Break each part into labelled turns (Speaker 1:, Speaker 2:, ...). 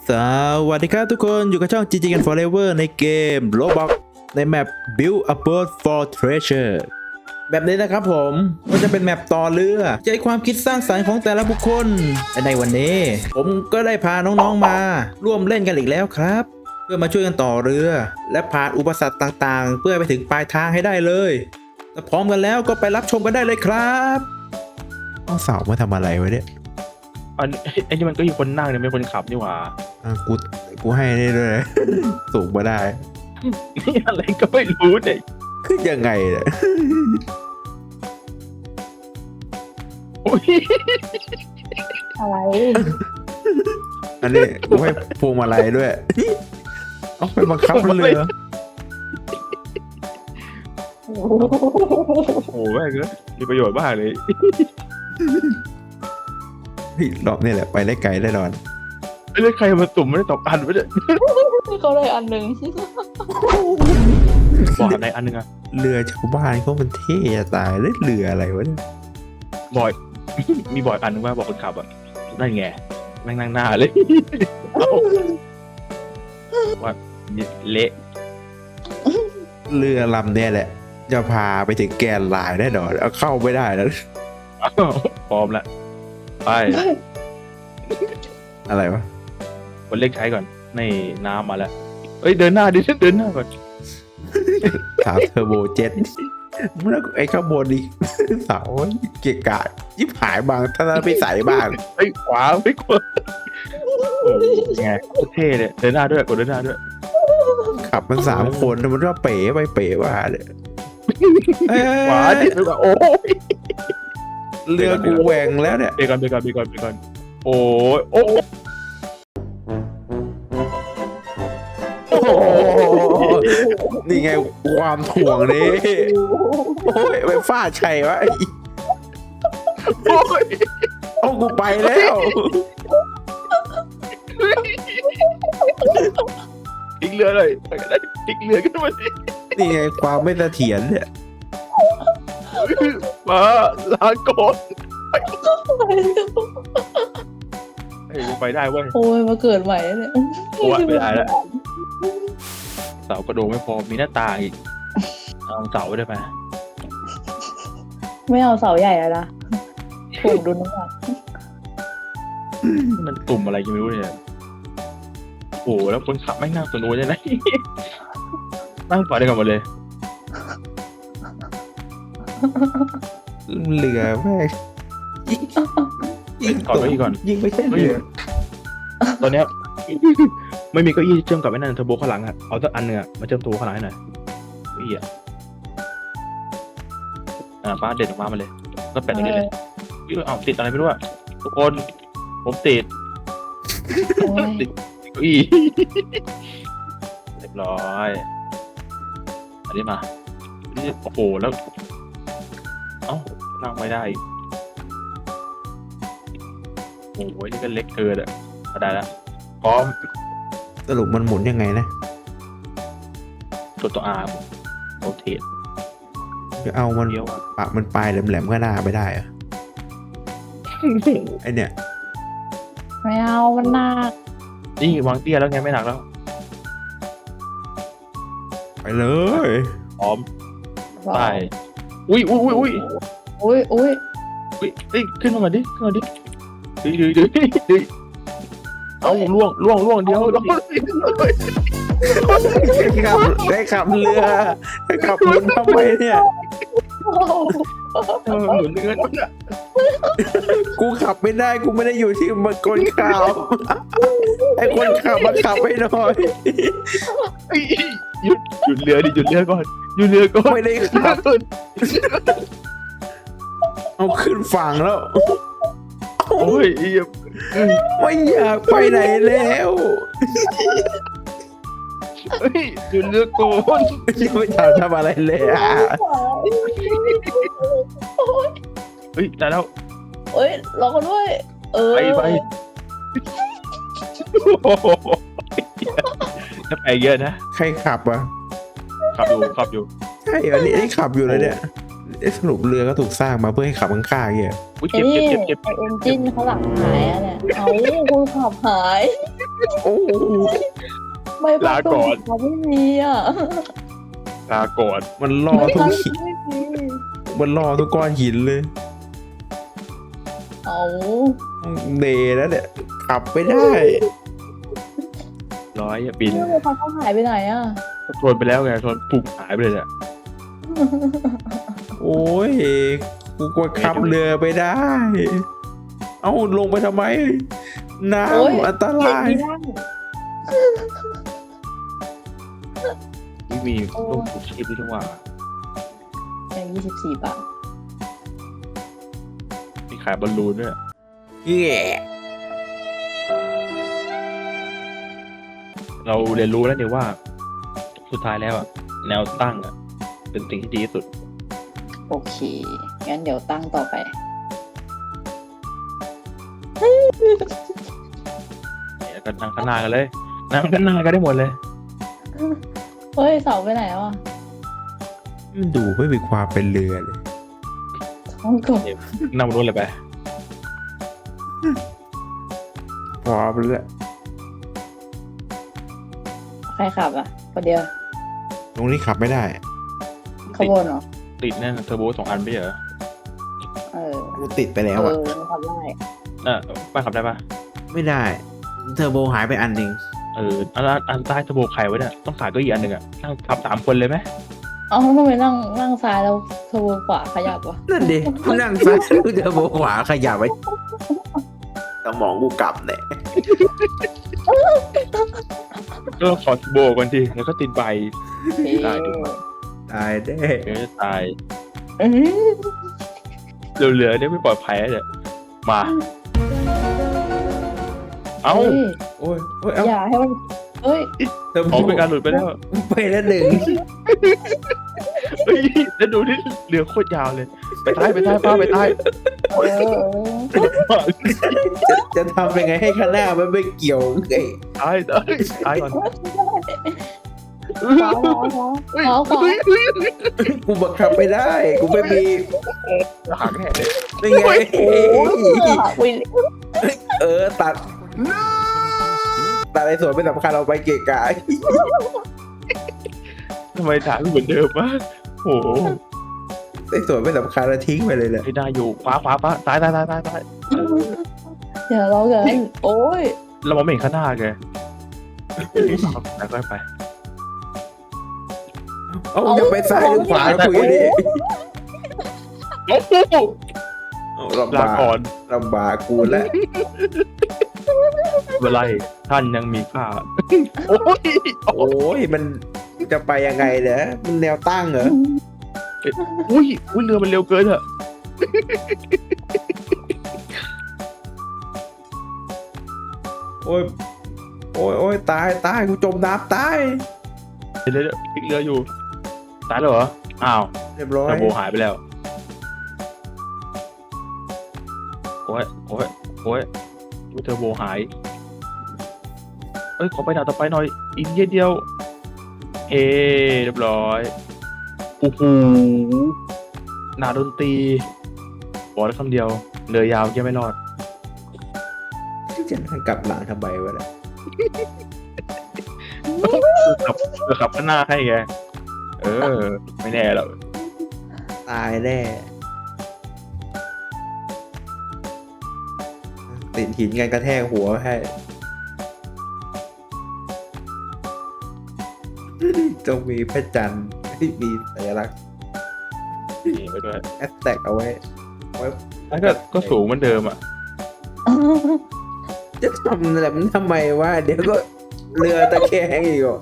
Speaker 1: สวัสดีครับทุกคนอยู่กับช่อง GG กัน Forever ในเกม Roblox ในแมป Build a Boat for Treasure แบบนี้นะครับผมก็จะเป็นแมปต่อเรือใช้ความคิดสร้างสรรค์ของแต่ละบุคคลและในวันนี้ ผมก็ได้พาน้องๆมาร่วมเล่นกันอีกแล้วครับ เพื่อมาช่วยกันต่อเรือ และผ่านอุปสรรคต่างๆ เพื่อไปถึงปลายทางให้ได้เลยถ้าพร้อมกันแล้วก็ไปรับชมกันได้เลยครับเอาเสามาทำอะไรไว้เนี่ย
Speaker 2: ไอ้นี่มันก็มีคนนั่งเนี่ยไม่คนขับนี่หว่า
Speaker 1: กูให้ได้ด้วย สูงมาได้
Speaker 2: นี่อะไรก็ไม่รู้เนี่ย
Speaker 1: คือยังไงเนี่ย
Speaker 2: โอ้ย
Speaker 3: อะไร
Speaker 1: อันนี้กูให้พวงมาลัยด้วย เอาไปบังคับมันเรือ
Speaker 3: โอ้
Speaker 2: โอ้แม่งเลยมีประโยชน์มากเลย
Speaker 1: เฮ้ยรอบนี้แหละไปได้ไกลได้นอน
Speaker 2: ไม่ได้ใครมาตุ่มไม่ได้ตกอันไม่ได้
Speaker 3: เขาเลยอันหนึ่ง
Speaker 2: บอกอะไรอันนึงอะ
Speaker 1: เรือชาวบ้านเขามันเท่จะตายเลยเรืออะไรวะเนี่ย
Speaker 2: บอย มีบอยอันนึงว่าบอกคนขับอะนั่นไงแม่งนั่งหน้าเลยว่าเละ
Speaker 1: เรือลำเนี่ยแหละ จะพาไปถึงแกนลายแน่นอนเอาเข้าไม่ได้นะ
Speaker 2: อ้าวพร้อมละไป
Speaker 1: อะไรวะ
Speaker 2: คนเล็กใช้ก่อนในน้ำมาแล้วเอ้ยเดินหน้าดิฉันเดินหน้าก่อน
Speaker 1: ถามเทอร์โบเจ็ตแล้วไอ้ข้างบนดิ เสาเกะกะยิบหายบางถ้าไปใส่บ้าง
Speaker 2: ไอ้ยขวาไม่ขวาโอ้ยไงโคตรเท่เลยเดินหน้าด้วยกดเดินหน้าด้วย
Speaker 1: ขับมัน3 คนมันก็เป๋ไปเป๋มาเนี่ยเอ้ย
Speaker 2: ขวาดิไปก่อนโอ้ย
Speaker 1: เรือกูแหว่งแล้วเนี่ย
Speaker 2: ไปก่อนโอ้ยโอ้ย
Speaker 1: โอ้โหนี่ไงความถ่วงนี่โอ้ยไปฟาดชัยวะ
Speaker 2: โอ้ย
Speaker 1: เอากูไปแล้ว
Speaker 2: ทิ้งเรือเลยไปกันได้ทิ้งเรือขึ้นมาสิ
Speaker 1: นี่ไงความไม่เสถียรเนี่ย
Speaker 2: มาลาก่อนเฮ้ยไปได้เว้ย
Speaker 3: โอ้ยมาเกิดใหม่แล้วเนี่ย
Speaker 2: โอ้ยไม่ได้แล้วเสากระโดงไม่พอมีหน้าต่างอีกเอาเสาได้ไหม
Speaker 3: ไม่เอาเสาใหญ่แล้วนะถูกดูน้ำหนัก
Speaker 2: มันตุ่มอะไรยังไม่รู้เนี่ยโอ้โหแล้วคนขับไม่งนั่งตัวนู้นเลยนะนั่งฝ่าได้กันหมดเลย
Speaker 1: เรือแม่งยิง
Speaker 2: ก่อนไว้ก่อน
Speaker 1: ยิงไม่ใช่เรือ
Speaker 2: ตอนเนี้ย ไม่มีเก้าอี้เชื่อมกับไอ้นั่นเทอร์โบข้างหลังอะเอาสักอันเนื้อะมาเชื่อมตัวข้างหลังให้หน่อยเก้าอี้อะฟ้าเด็ดออกมาเลยก็แปะตรงนี้เลยเอาติดอะไรไม่รู้อะทุกคนผมติด
Speaker 3: โอ้ย
Speaker 2: ติดเก้าอี้ เรียบร้อยอันนี้มานี่โอ้โหแล้วเอ้านั่งไม่ได้อีกโอ้โหนี่ก็เล็กเกินอะได้แล้วพร้อม
Speaker 1: สรุปมันหมุนยังไงนะ
Speaker 2: ตัวอาร์โรเทต
Speaker 1: จะเอามัน
Speaker 2: เดียวอะ
Speaker 1: ปะมันปลายแหลมๆก็หน้าไม่ได้เหรอะไอเนี่ย
Speaker 3: ไม่เอามันหนัก
Speaker 2: นี่วางเตี้ยแล้วไงไม่หนักแล้ว
Speaker 1: ไปเลย
Speaker 2: พร้อมไปอุ้ย
Speaker 3: อุ้ยอุ้ย
Speaker 2: อุ้ยเอ้ยขึ้นมาดิดื้อเอาล่วงเดียวล่วง
Speaker 1: ได้ขับเรือได้ขับหมุนทำไมเนี่ย
Speaker 2: หมุนเงิน
Speaker 1: กูขับไม่ได้กูไม่ได้อยู่ที่มันคนขับไอคนขับมาขับให้หน่อย
Speaker 2: หยุดเรือดิหยุดเรือก่อน
Speaker 1: ไม่ได้ขับเอาขึ้นฝั่งแล้ว
Speaker 2: โอ้ย
Speaker 1: ไม่อยากไปไหนแล้ว
Speaker 2: หยุดเรือก่อน
Speaker 1: ไม่อยากทำอะไรเลยอ่ะ
Speaker 2: เฮ้ยได้แล้ว
Speaker 3: เอ้ยรอกันด้วย
Speaker 2: ไปถ้าไปเยอะนะ
Speaker 1: ใครขับอ่ะ
Speaker 2: ขับอยู่
Speaker 1: ใช่อันนี้ขับอยู่เลยเนี่ยสรุปเรือก็ถูกสร้างมาเพื่อให้ขับข้างๆเงี้ย
Speaker 2: อุ้ย
Speaker 3: ไอ้
Speaker 2: เก็บ
Speaker 3: นี่ไอเอนจินเขาหลังหายอะเนี่ยเอาคุณขับหาย
Speaker 1: โอ้โห
Speaker 3: ไม่ปากตรงเขาไม่มีอ่ะ
Speaker 2: ลาก่อน
Speaker 1: มันล่อทุกหิน
Speaker 3: ไม่มี
Speaker 1: มันล่อทุกก้อนหินเลย
Speaker 3: เอา
Speaker 1: เดแล้วเนี่ยขับไม่ได้
Speaker 2: ร้อยอย่าบิน
Speaker 3: ไม่ปากเขาหายไปไหนอ่ะ
Speaker 2: ชนไปแล้วไงชนปุ๊บหายไปเลยเนี่ย
Speaker 1: โอ้ยกูกลัวขับเรือไปได้ เอ้าลงไปทำไม น้
Speaker 3: โอ้ย
Speaker 1: ำอันตราย
Speaker 3: เห็นไม่ได้
Speaker 2: ที่มีลูกผูกชีพที่ทั้งว่า
Speaker 3: อย่าง24 บาท
Speaker 2: มีขายบอลลูนด้วย
Speaker 1: แย่
Speaker 2: เราเรียนรู้แล้วเนี่ยว่าสุดท้ายแล้วอะแนวตั้งอะเป็นสิ่งที่ดีที่สุด
Speaker 3: โอเค งั้นเดี๋ยวตั้งต่อไป
Speaker 2: แล้วก็นั่งข้างหน้ากันเลยนั่งข้างหน้ากันได้หมดเลย
Speaker 3: เฮ้ย เสาไปไหนแล้วอ่ะ
Speaker 1: มันดูไม่มีความเป็นเรือเลย
Speaker 3: ท้องกบ
Speaker 2: นั่งบนนู้นเลยไป
Speaker 1: พร้อมแล้ว
Speaker 3: ใครขับอ่ะคนเดียว
Speaker 1: ตรงนี้ขับไม่ได้
Speaker 3: ขบวนเหรอ
Speaker 2: ติดแน่นเทอร์โบ2 อันไม่ใช่เหรอ
Speaker 3: เออ
Speaker 1: กูติดไปแล้วอ่ะ
Speaker 3: มันขับได้
Speaker 2: ป้าขับได้ปะ
Speaker 1: ไม่ได้ เทอร์โบหายไปอันหนึ่ง
Speaker 2: อันใต้เทอร์โบใครไว้เนี่ยต้องขายเก็อีกอันหนึ่งอะนั่งขับ3 คนเลยไหม
Speaker 3: เอ้าทำไมนั่งซ้ายแล้วขบวนขวาขยับวะ
Speaker 1: นั่นดิกูนั่งซ้ายกูเทอร์โบขวาขยับไปสมองกูกลับเนี่ย
Speaker 2: ก็ขอเทอร์โบก่อนทีแล้วก็ติดใบ ได้ดู
Speaker 1: ตายแน่
Speaker 2: เดี๋ยวจะตาย
Speaker 3: เอ้ย
Speaker 2: เหลือๆเนี่ยไม่ปลอดภัยแล้วเนี่ยมา เอ้า
Speaker 3: เฮ้ย
Speaker 1: โอ้ยโอ้ยเอ้า
Speaker 3: อย่าให้มันเฮ้ย
Speaker 1: เทอร์โบ
Speaker 2: ของเป็นการหลุดไปแล้ว
Speaker 1: ไปแล้วหนึ่ง
Speaker 2: เฮ้ยแล้วดูนี่เรือโคตรยาวเลย ไปใต้ป้าไปใต้
Speaker 3: เออ
Speaker 1: จะทำยังไงให้ข้างหน้ามันไม่เกี่ยวไอ้
Speaker 2: ตายก่อน
Speaker 3: ขวาขวา
Speaker 1: กูบังคับไม่ได้ กูไม่มี
Speaker 2: หางแห่เลย
Speaker 1: นี่ไง
Speaker 3: โอ้ย
Speaker 1: ตัดไอ้ส่วนไม่สำคัญเราไปเกะกะ
Speaker 2: ทำไมถางเหมือนเดิมวะโอ้โห
Speaker 1: ไอ้ส่วนไม่สำคัญเราทิ้งไปเลยแหละ
Speaker 2: ไม่ได้อยู่ขวาป้าตาย
Speaker 3: เดี๋ยวเราเกินโอ้ย
Speaker 2: เรามองไม่เห็นข้างหน้าแกแล้วก็ไป
Speaker 1: เอ้าจะไปซ้ายหรือขวาคุยดิ
Speaker 2: โอ้โห
Speaker 1: เอาลำ
Speaker 2: ลา
Speaker 1: บาก
Speaker 2: ก่อน
Speaker 1: ลำบากกูแล้ว
Speaker 2: เวลาท่านยังมีค่าโอ้ย
Speaker 1: โอ้ยมันจะไปยังไงเนี่ยมันแนวตั้งเหรอ
Speaker 2: อุ้ยเรือมันเร็วเกินอะ
Speaker 1: โอ้ยโอ้ยตายกูจมน้ำตาย
Speaker 2: เดี๋ยวพลิกเรืออยู่ตายแล้วเหรออ้าว
Speaker 1: เรียบร้อย
Speaker 2: เทอร์โบหายไปแล้วโอ้ยเทอร์โบหายเอ้ยขอไปด่านต่อไปหน่อยอีกนิดเดียวเฮ้เรียบร้อยโอ้โหหนาดนตรีบอกได้คำเดียวเรือยาวยังไม่รอด
Speaker 1: จะนั่งกลับหลังทำไมวะเนี่ย
Speaker 2: ขับข้างหน้าให้ไงไม่แน่หรอก
Speaker 1: ตายแน่ติดหินกันกระแทกหัวให้ต้องมีพระจันทร์ที่มีสัญลักษณ์
Speaker 2: นี่ไปด้วย
Speaker 1: แอสแท็กเอาไว้
Speaker 2: แล้วก็สูงเหมือนเดิมอ่ะ
Speaker 1: จะทำอะไรมันทำไมวะเดี๋ยวก็เรือตะแคงอีกอ่ะ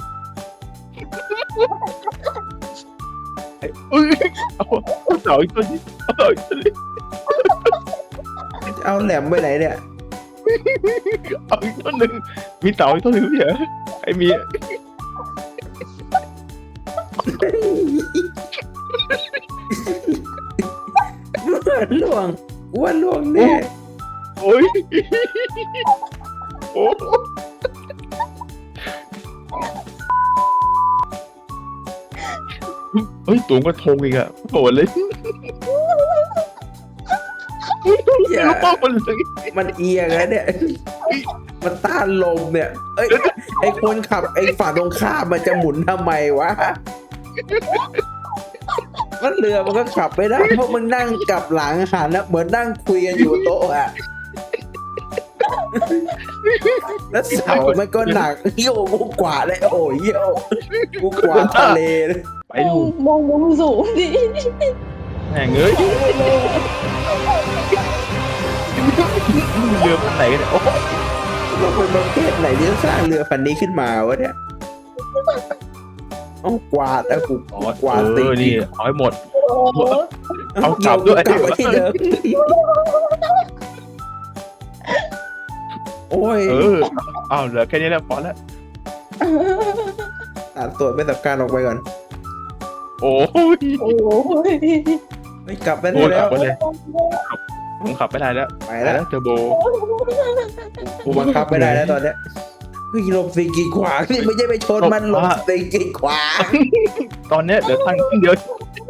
Speaker 2: เอาเสาอีกตัวนี้เอาเสาอีกตัวนี้
Speaker 1: เอาแหลมไปไหนเนี่ย
Speaker 2: เอาอีกตัวหนึ่งมีเสาอีกตัวหนึ่งเหรอไอ้มี
Speaker 1: ล่วงอ้วนล่วงแน่
Speaker 2: โอ้ยโอ้เฮ้ยสูงกว่าธงอีกอะโหดเลย
Speaker 1: อย่า
Speaker 2: ลูกป้องมันเลย
Speaker 1: มันเอียงแล้วเนี่ยมันต้านลมเนี่ย เอ้ยไอคนขับไอฝั่งตรงข้ามมันจะหมุนทำไมวะมันเรือมันก็ขับไม่ได้เพราะมันนั่งกลับหลังหันนะเหมือนนั่งคุยกันอยู่โต๊ะอะแล้วเสามันก็หนักเยี่ยวกูกวาดเลยโอ้ยเยี่ยวกูกวาดทะเลเลย
Speaker 2: ไปดู
Speaker 3: มองมุมสูงดิ
Speaker 2: แม่งเอ้ยเรือพันไหนกันเนี่ยโอ้โห
Speaker 1: เราเป็นประเทศไหนที่สร้างเรือพันนี้ขึ้นมาวะเนี่ยเอากวาดแล้วกู
Speaker 2: อ๋อก
Speaker 1: วาดติ
Speaker 2: นี่เอาให้หมด
Speaker 3: โอ้โห
Speaker 2: เอากลับด้วย
Speaker 1: กลับมาที่เดิมโอ้ย
Speaker 2: เอาเหลือแค่นี้แล้วพอแล้ว
Speaker 1: ตัดส่วนไม่สำคัญออกไปก่อน
Speaker 2: โอ้ย
Speaker 3: โอ้โห
Speaker 1: ไม่กลับไป
Speaker 2: โอ้
Speaker 1: ได้
Speaker 2: ย
Speaker 1: แล้
Speaker 2: ขับ
Speaker 1: ว
Speaker 2: ไปเลยผมขับไม่ได้แล้ว
Speaker 1: ไปแล้ว
Speaker 2: เทอร์โบ
Speaker 1: กูบังคับไม่ได้แล้วตอนเนี้ยเฮ้ยหลบสิ่งกีดขวางนี่ไม่ใช่ไปชนมันหลบสิ่งกีดขวาง
Speaker 2: ตอนเนี้ยเหลือทางเดียว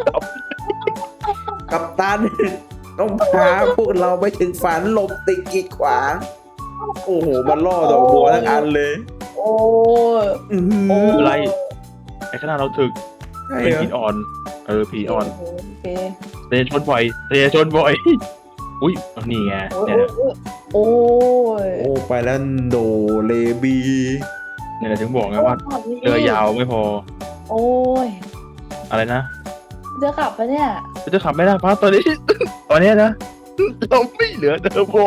Speaker 1: กับตันต้องพาพวกเราไปถึงฝันหลบสิ่งกีดขวางโอ้โหมันล่อดอกบัวทั้งอันเลย
Speaker 3: โอ้ย
Speaker 1: อื้อหือ
Speaker 2: อะไรไอ้ขนาดเราถึก
Speaker 1: ใช่
Speaker 2: เป็น
Speaker 1: เหรอ
Speaker 2: ผีอ่อนผีอ่อน
Speaker 3: โอเค
Speaker 2: เตะชนบ่อยอุ้ยนี่ไง
Speaker 3: โอ้
Speaker 2: เนี่ย
Speaker 3: ยโอ้ย
Speaker 1: โอ้ไปแล้วโดเลบี
Speaker 2: เนี่ยถึงบอกไงว่าเรือยาวไม่พอ
Speaker 3: โอ้ย
Speaker 2: อะไรนะ
Speaker 3: จะขับปะเนี่ย
Speaker 2: จะขับไม่ได้เพราะตอนนี้ ตอนเนี้ยนะเราไม่เหลือเทอร์โบ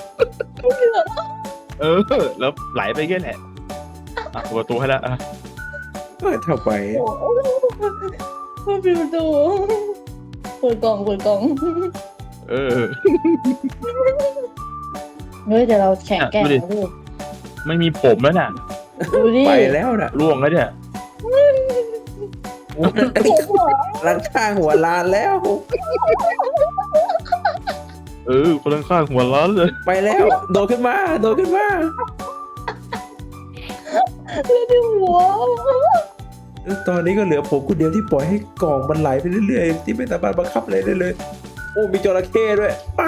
Speaker 2: แล้วไหลไปแค่แหละเปิดประตูให้แล้ว
Speaker 1: เปิดเข้าไป
Speaker 3: โอ้ยมันปิดประตูเปิดกล่อง เฮ้ยแต่เราแข็งแกร่งนะลูก
Speaker 2: ไม่มีผมแล้วน่ะ
Speaker 3: ดูดิ
Speaker 1: ไปแล้วนะ
Speaker 2: ร่วงแล้วเนี่ย
Speaker 1: หลังข้างหัวลานแล้ว
Speaker 2: คนข้างๆหัวร้อนเลย
Speaker 1: ไปแล้วโดดขึ้นมาโดดขึ้นมา
Speaker 3: แล้วที่หัว
Speaker 1: ตอนนี้ก็เหลือผมคนเดียวที่ปล่อยให้กล่องมันไหลไปเรื่อยๆที่ไม่สามารถบังคับอะไรได้เลยโอ้มีจระเข้ด้วยป้า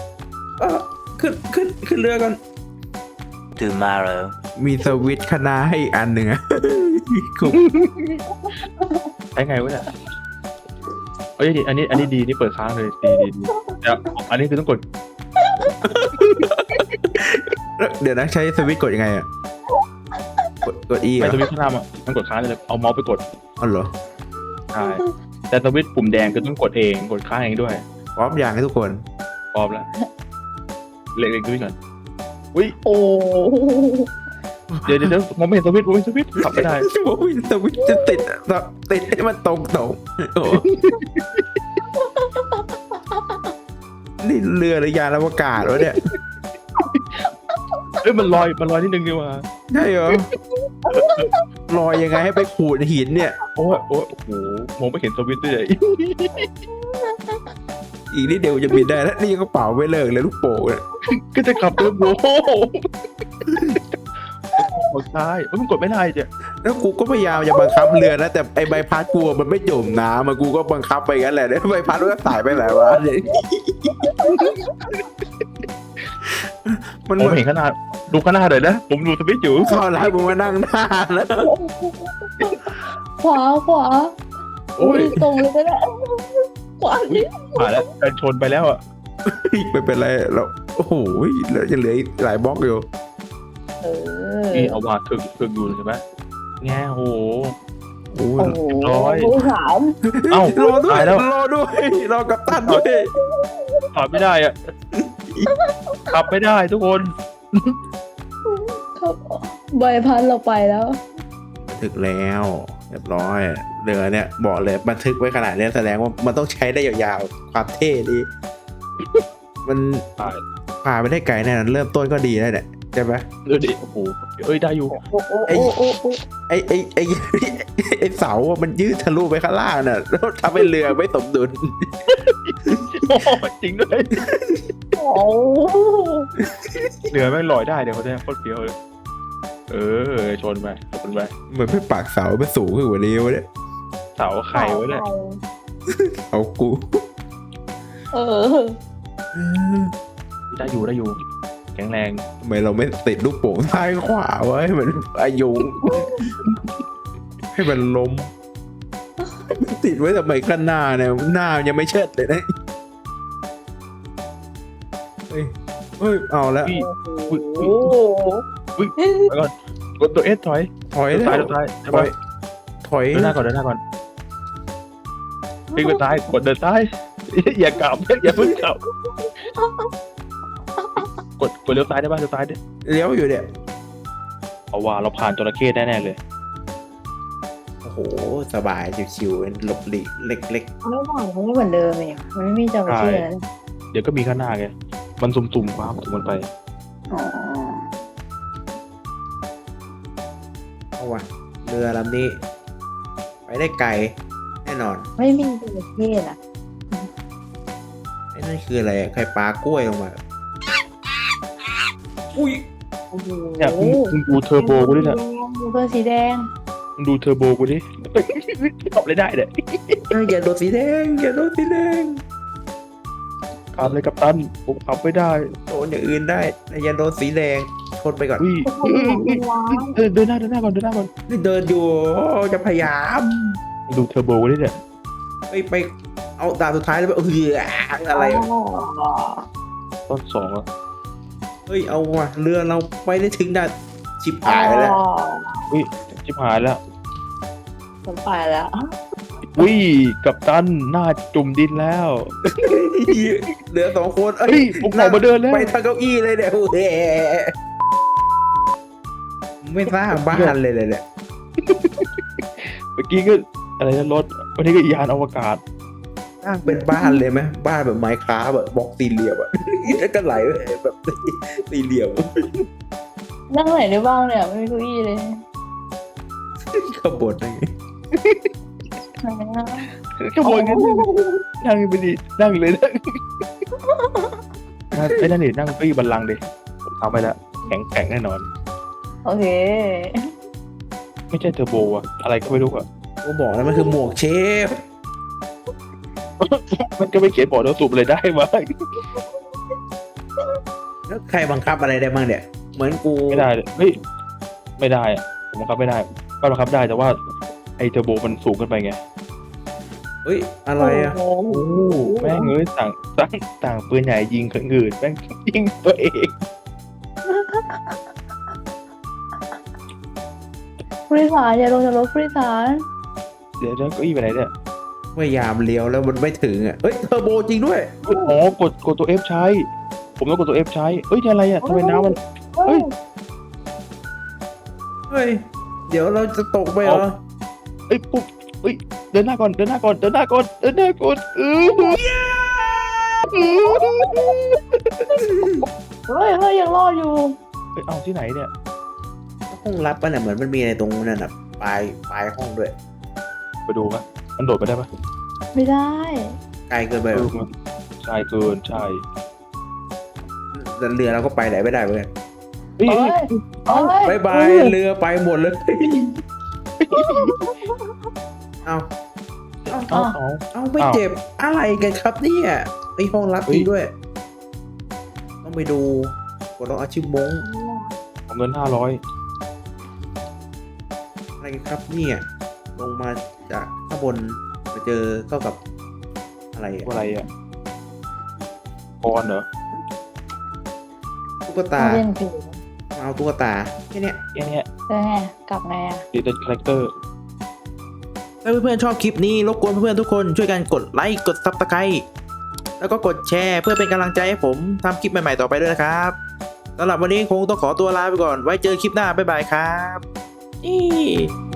Speaker 1: ขึ้นเรือก่อน
Speaker 4: tomorrow.
Speaker 1: มีสวิตช์คณะให้อีกอันหนึ่งอะ
Speaker 2: ใช้ไงวะเนี่ยอันนี้ดีนี่เปิดค้างเลยดีเดี๋ยวอันนี้คือต้องกด
Speaker 1: เดี๋ยวนะใช้สวิตช์กดยังไงอะกด E
Speaker 2: ไม่
Speaker 1: อ่ะ
Speaker 2: สวิตช์ข้างหน้ามันต้องกดค้างเลยเอาเมาส์ไปกด
Speaker 1: อ๋อเหรอ
Speaker 2: ใช่แต่สวิตช์ปุ่มแดงคือต้องกดเองกดค้างเองด้วย
Speaker 1: พร้อมอย่างให้ทุกคน
Speaker 2: พร้อมแล้วเล็กๆด้วยก่อน
Speaker 3: โอ้
Speaker 2: เดี๋ยวมองไม่เห็นสวิตช์ขับไม่ได้
Speaker 1: โอ้ยสวิตช์จะติดให้มันตรงโอ้นี่เรือหรือยานอวกาศวะเนี่ย
Speaker 2: มันลอยนิดนึงดีกว่า
Speaker 1: ใช่เหรอลอยยังไงให้ไปขูดหินเนี่ย
Speaker 2: โอ้โหมองไม่เห็นสวิตช์ด้วย
Speaker 1: อีกนิดเดียวจะบินได้แล้วนี่ยังกระเป๋าไม่เลิกเลยลูกโป่งเนี่ย
Speaker 2: ก็จะขับเทอร์โบกดซ้ายมันกดไม่ได้จ้ะ
Speaker 1: แล้วกูก็พยายามจะบังคับเรือนะแต่ไอใบพัดกูมันไม่จมน้ำมันกูก็บังคับไปงั้นแหละใบพัดมันก็สายไปไหนวะมัน
Speaker 2: ผมเห็นขนาดดูขนาดเลยนะผมดูสวิตช์อยู่
Speaker 1: เข้าร้านมึงมานั่งหน้าแล้ว
Speaker 3: ขวา
Speaker 1: โอ้ย
Speaker 3: ตรงเลยก็ได้ขวาดิ
Speaker 2: ผ่านแล้วการชนไปแล้วอ่ะ
Speaker 1: ไม่เป็นไรเราโอ้โหเราจะเหลืออีกหลายบล็อกอยู่
Speaker 3: เออ
Speaker 2: นี่เอาว่าถึกอยู่ใช่ไหมแง่โห
Speaker 1: โอ้
Speaker 3: โอ้
Speaker 1: ย
Speaker 3: โห
Speaker 2: ร้อย
Speaker 3: สาม
Speaker 2: เอ้าร
Speaker 1: อด้วย
Speaker 2: ตายแล้ว
Speaker 1: รอด้วยรอกับตันด้วย
Speaker 2: ขับไม่ได้อ่ะขับไม่ได้ทุกคน
Speaker 3: ครับใบพัดเราไปแล้ว
Speaker 1: ถึกแล้วเรียบร้อยเรือเนี่ยบอกเลยบันทึกไว้ขนาดนี้แสดงว่ามันต้องใช้ได้ยาวๆความเท่ดีมันพาไปได้ไกลแน่นอนเริ่มต้นก็ดีแล้วเนี่ยใช่ไหม
Speaker 2: ดูดิโอ้โหได้อยู่
Speaker 1: ไอ้เสาอะมันยืดทะลุไปข้างล่างน่ะแล้วทำให้เรือไม่สมดุล
Speaker 2: โอ้จริงด้วย
Speaker 3: โอ้
Speaker 2: เหลือแม่งลอยได้เดี๋ยวเขาจะโคตรเฟี้ยวเลยชนไป
Speaker 1: เหมือนไม่ปากเสาไม่สูงขึ้นกว่านี้วะเนี่ย
Speaker 2: เสาไข่ไว้เนี่ย
Speaker 1: เอากู
Speaker 3: เออ
Speaker 2: ได้อยู่แข็งแรง
Speaker 1: ทำไมเราไม่ติดลูกโป่งซ้ายขวาไว้ให้มันอายุ ให้มันล้ม ติดไว้ทำไมข้างหน้าเนี่ยหน้ายังไม่เชิดเลยนะเฮ้ยเอาแล้ว
Speaker 2: พี่
Speaker 3: โอ้โห
Speaker 2: แล้วก็กดตัวเอสถอย
Speaker 1: ถอย
Speaker 2: ตัว
Speaker 1: แล้
Speaker 2: ซ้ายว ตัวซ้ายใช่
Speaker 1: ถอ
Speaker 2: ปะ
Speaker 1: ยถอย
Speaker 2: เดินหน้าก่อนวิ่งไปซ้ายกดเดินซ้ายอย่ากลับอย่าเพิ่งกลับกดเลี้ยวซ้ายได้ป่ะเลี้ยวซ้ายดิ
Speaker 1: เลี้ยวอยู่เนี่ย
Speaker 2: เอาว่าเราผ่านจระเข้แน่ๆเลย
Speaker 1: โอ้โหสบายชิวๆหลบหลีกเล็ก
Speaker 3: ไม่หวานมันไม่เหมือนเดิมเลยมันไม่มีจระเข้แล้ว
Speaker 2: เดี๋ยวก็มีข้างหน้าไงมันสุ่มๆความสุ่มมันไป
Speaker 3: อ๋อ
Speaker 1: ๆเอาว่ะเรือลำนี้ ไปได้ไกลแน่นอน
Speaker 3: ไม่มีจระเข้ล่ะ
Speaker 1: ไอ้นั่นคืออะไรอะใครปลากล้วยลงมาอุ้ย
Speaker 3: โอ้โห
Speaker 2: เนี่ยมึงดูเทอร์โบกูดิเนี่ย
Speaker 3: เพื่อนสีแดง
Speaker 2: มึงดูเทอร์โบกูดิตอบเลยได้เนี่ย
Speaker 1: อย่าโดนสีแดงอย่าโดนสีแดง
Speaker 2: ขับเลยกับตันผมขับไม่ได้
Speaker 1: โดนอย่างอื่นได้แต่อย่าโดนสีแดงชนไปก่อน
Speaker 2: อุ้ย
Speaker 3: ทุกคนเป็นล้าน
Speaker 2: เดินหน้าก่อน
Speaker 1: นี่เดินอยู่จะพยายาม
Speaker 2: มึงดูเทอร์โบกูดิเนี่ย
Speaker 1: ไปเอาดาบสุดท้ายแล้วไปอะไรอะ
Speaker 2: ต้นสองอ่ะ
Speaker 1: เฮ้ยเอาว่ะเรือเราไปได้ถึงด่านชิบหายแล้ว
Speaker 2: อุ้ยชิบหายแล้ว
Speaker 3: ผมไปแล้ว
Speaker 2: อุ้ยกับตันหน้าจุ่มดินแล้ว
Speaker 1: เหลือ2 คน
Speaker 2: เฮ้ยผมออกมาเดินแล้ว
Speaker 1: ไปทางเก้าอี้เลยเนี่ยโอ้โหไม่สร้างบ้านเลยเนี่ย
Speaker 2: เมื่อกี้ก็อะไรนะรถวันนี้ก็ยานอวกาศ
Speaker 1: สร้างเป็นบ้านเลยไหมบ้านแบบไมค์คราฟแบบบล็อกสี่เหลี่ยมอะแล้วก็ไหลแบบสี่เหลี่ยม
Speaker 3: นั่งไหนได้บ้างเนี่ยไม่มีเก้าอี้เลย
Speaker 1: ขบวนอะไรอย่างงี้
Speaker 3: ไหนนะ
Speaker 2: ขโมยกันนั่งไปดินั่งเลยนั่งไอ้นั่นดินั่งเก้าอี้บัลลังก์ดิผมทำไปแล้วแข็งแน่นอน
Speaker 3: โอเค
Speaker 2: ไม่ใช่เทอร์โบอะอะไรก็ไม่รู้อะ
Speaker 1: ก็บอกแล้วมันคือหมวกเชฟ
Speaker 2: มันก็ไม่เขียนบอกแล้วสูบเลยได้ไหม
Speaker 1: แล้วใครบังคับอะไรได้บ้างเนี่ย เหมือนกู
Speaker 2: ไม่ได้เลยเฮ้ยไม่ได้อะผมบังคับไม่ได้ก็บังคับได้แต่ว่าไอ้เทอร์โบมันสูงเกินไปไง
Speaker 1: เฮ้ยอะไรอะ
Speaker 3: โอ้โห
Speaker 2: แม่งเอ้ยต่างปืนใหญ่ยิงคนอื่นแม่งยิงตัวเอง
Speaker 3: ผู้โดยสารอย่าลงจากรถผู้โดยสาร
Speaker 2: เดี๋ยวเก้าอี้ไปไหนเนี่ย
Speaker 1: พยายามเลี้ยวแล้วมันไม่ถึงอ่ะเฮ้ยเทอร์โบจริงด้วย
Speaker 2: อ๋อกดตัว F ใช้ ผมต้องกดตัว F ใช้เอ้ยนี่อะไรอ่ะทำไมน้ำมัน เฮ้ย
Speaker 1: เฮ้ยเดี๋ยวเราจะตกไปเหรอ
Speaker 2: เอ้ยปุ๊บเอ้ยเดินหน้าก่อนเฮ้ย
Speaker 3: เฮ้ยยังรอดอยู่
Speaker 2: เอ้ยเอาที่ไหนเนี่ย
Speaker 1: ห้องลับป่ะเนี่ยเหมือนมันมีอะไรตรงนั้นอ่ะปลายห้องด้วย
Speaker 2: ไปดูปะมันโดดไปได้ปะ
Speaker 3: ไม่ได้
Speaker 1: ไกลเกินไปเหรอ
Speaker 2: มันใช่เกินใช่
Speaker 1: แล้วเรือเราก็ไปไหนไม่ได้เหมือนกัน
Speaker 2: เฮ้ย
Speaker 3: เฮ้ย
Speaker 1: บายบายเรือไปหมดเลยเอา เอาไม่เจ็บอะไรกันครับเนี่ยไอห้องลับจริงด้วย ต้องไปดูกดลองอาชีพมง
Speaker 2: เอาเงิน500
Speaker 1: อะไรกันครับเนี่ยลงมาจากข้างบนมาเจอเข้ากับอะไรอะ
Speaker 2: อะไรอ่ะกรเหรอ
Speaker 1: ตุ๊กตา
Speaker 3: มาเล่นผี
Speaker 1: มาเอาตุ๊กตาแค่เนี้ย
Speaker 2: แค่เนี้ย
Speaker 3: แล้วไงกลับไงอ่ะ
Speaker 2: ดิจิตอลคาแรคเตอร์
Speaker 1: ถ้าเพื่อนๆชอบคลิปนี้รบกวนเพื่อนๆทุกคนช่วยกันกดไลค์กดซับสไครต์แล้วก็กดแชร์เพื่อเป็นกำลังใจให้ผมทำคลิปใหม่ๆต่อไปด้วยนะครับสำหรับวันนี้คงต้องขอตัวลาไปก่อนไว้เจอคลิปหน้าบ๊ายบายครับ